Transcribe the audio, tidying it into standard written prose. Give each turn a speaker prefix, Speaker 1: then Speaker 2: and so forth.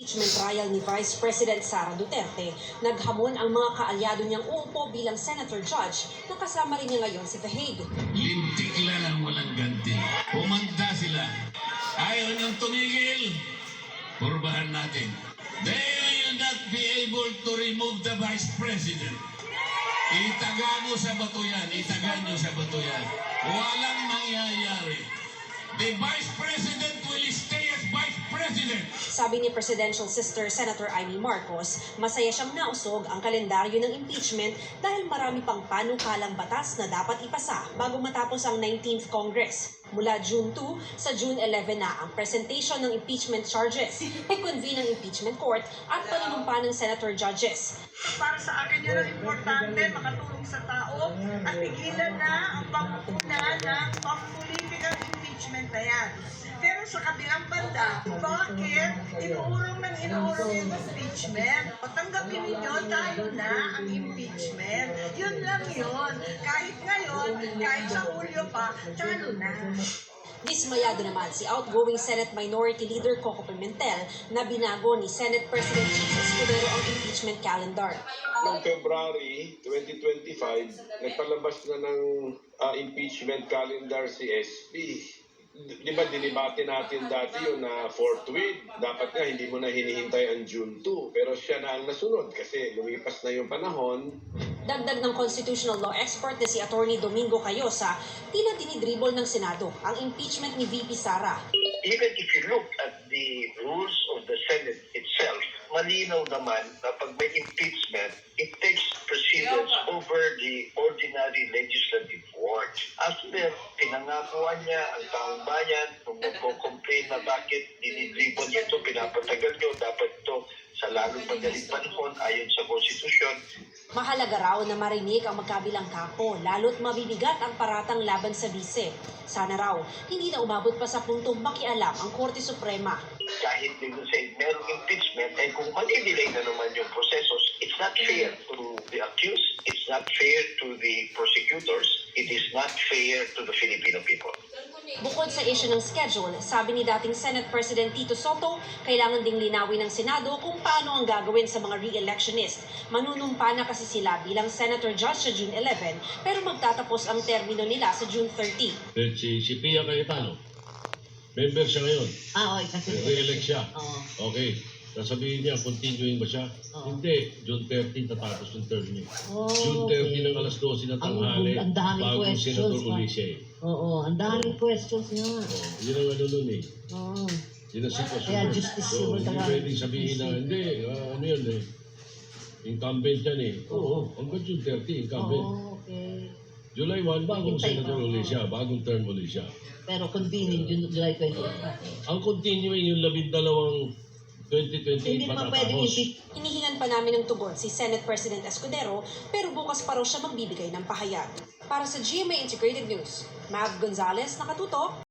Speaker 1: Impeachment trial ni Vice President Sara Duterte, naghamon ang mga kaalyado niyang uupo bilang Senator Judge na kasama rin niya ngayon sa The Hague.
Speaker 2: Lintik lang ang walang ganti. Pumanda sila. Ayaw niyong tumigil. Purbahan natin. They will not be able to remove the Vice President. Itaga mo sa bato yan. Itaga niyo sa bato yan. Walang mangyayari. The Vice President will stay as Vice President.
Speaker 1: Sabi ni Presidential Sister Senator Amy Marcos, masaya siyang nausog ang kalendaryo ng impeachment dahil marami pang panukalang batas na dapat ipasa bago matapos ang 19th Congress. Mula June 2 sa June 11 na ang presentation ng impeachment charges, i-convene ang impeachment court at panunumpa ng senator judges.
Speaker 3: Para sa akin yun ang importante, makatulong sa tao at pigilan na ang pangunguna ng political impeachment na yan. Pero sa kabilang banda, bakit inuurong yung impeachment? O tanggapin ninyo, tayo na ang impeachment. Yun lang yun. Kahit ngayon, kahit sa Hulyo pa, talo na.
Speaker 1: Dismayado naman si outgoing Senate Minority Leader Coco Pimentel na binago ni Senate President Jesus Escudero ang impeachment calendar.
Speaker 4: Noong February 2025, nagpalabas na ng impeachment calendar si SP. Di ba dinibate natin dati yun na forthwith, dapat nga hindi mo na hinihintay ang June 2. Pero siya na ang nasunod kasi lumipas na yung panahon.
Speaker 1: Dagdag ng constitutional law expert na si Attorney Domingo Cayosa, tila dinidribble ng Senado ang impeachment ni VP Sara.
Speaker 5: Even if you look at the rules of the Senate itself, malinaw naman na pag may impeachment, it takes precedence over the ordinary legislative work. After pinangakuan niya ang taong bayan, kung magko-complain na bakit dinidribble niyo ito, pinapatagal niyo, dapat ito sa lalong madaling panahon ayon sa konstitusyon.
Speaker 1: Mahalaga raw na marinig ang magkabilang kampo, lalo't mabibigat ang paratang laban sa bise. Sana raw, hindi na umabot pa sa puntong makialam ang Korte Suprema.
Speaker 5: Kahit din sa merong impeachment, eh kung mali-delay na naman yung prosesos, it's not fair to the accused, it's not fair to the prosecutors, it is not fair to the Filipino people.
Speaker 1: Bukod sa issue ng schedule, sabi ni dating Senate President Tito Soto, kailangan ding linawin ng Senado kung paano ang gagawin sa mga re-electionist. Manunumpa na kasi sila bilang Senator Judge sa June 11, pero magtatapos ang termino nila sa June 30.
Speaker 6: Si Pia Cayetano, member siya ngayon.
Speaker 7: Okay, kasi
Speaker 6: Re-elect siya.
Speaker 7: Oo.
Speaker 6: Okay. Sasabihin niya, continuing ba siya? Hindi. June 30 tatapos yung term niya. June 30 ng alas 12 na tanghali.
Speaker 7: Ang daming
Speaker 6: bagong
Speaker 7: questions.
Speaker 6: Senator uli siya eh.
Speaker 7: Oo, ang daming questions nga.
Speaker 6: Yun ang ano nun eh.
Speaker 7: Oo.
Speaker 6: Yun ang sitwasyon.
Speaker 7: Kaya justice
Speaker 6: So,
Speaker 7: yun,
Speaker 6: hindi
Speaker 7: talaga.
Speaker 6: pwedeng sabihin na, hindi, ano yun eh. Incumbent yan eh. Oo, hanggang June 30, incumbent.
Speaker 7: Oo, okay.
Speaker 6: July 1, bagong
Speaker 7: Hintay
Speaker 6: senator
Speaker 7: pa.
Speaker 6: uli siya. Bagong term uli siya.
Speaker 7: Pero convening, July 20.
Speaker 6: Ang continuing yung 12 2028
Speaker 7: Hindi naman pwedeng
Speaker 6: patatapos.
Speaker 1: Hinihingan pa namin ng tugon si Senate President Escudero, pero bukas pa raw siya magbibigay ng pahayag. Para sa GMA Integrated News, Mav Gonzalez, nakatutok.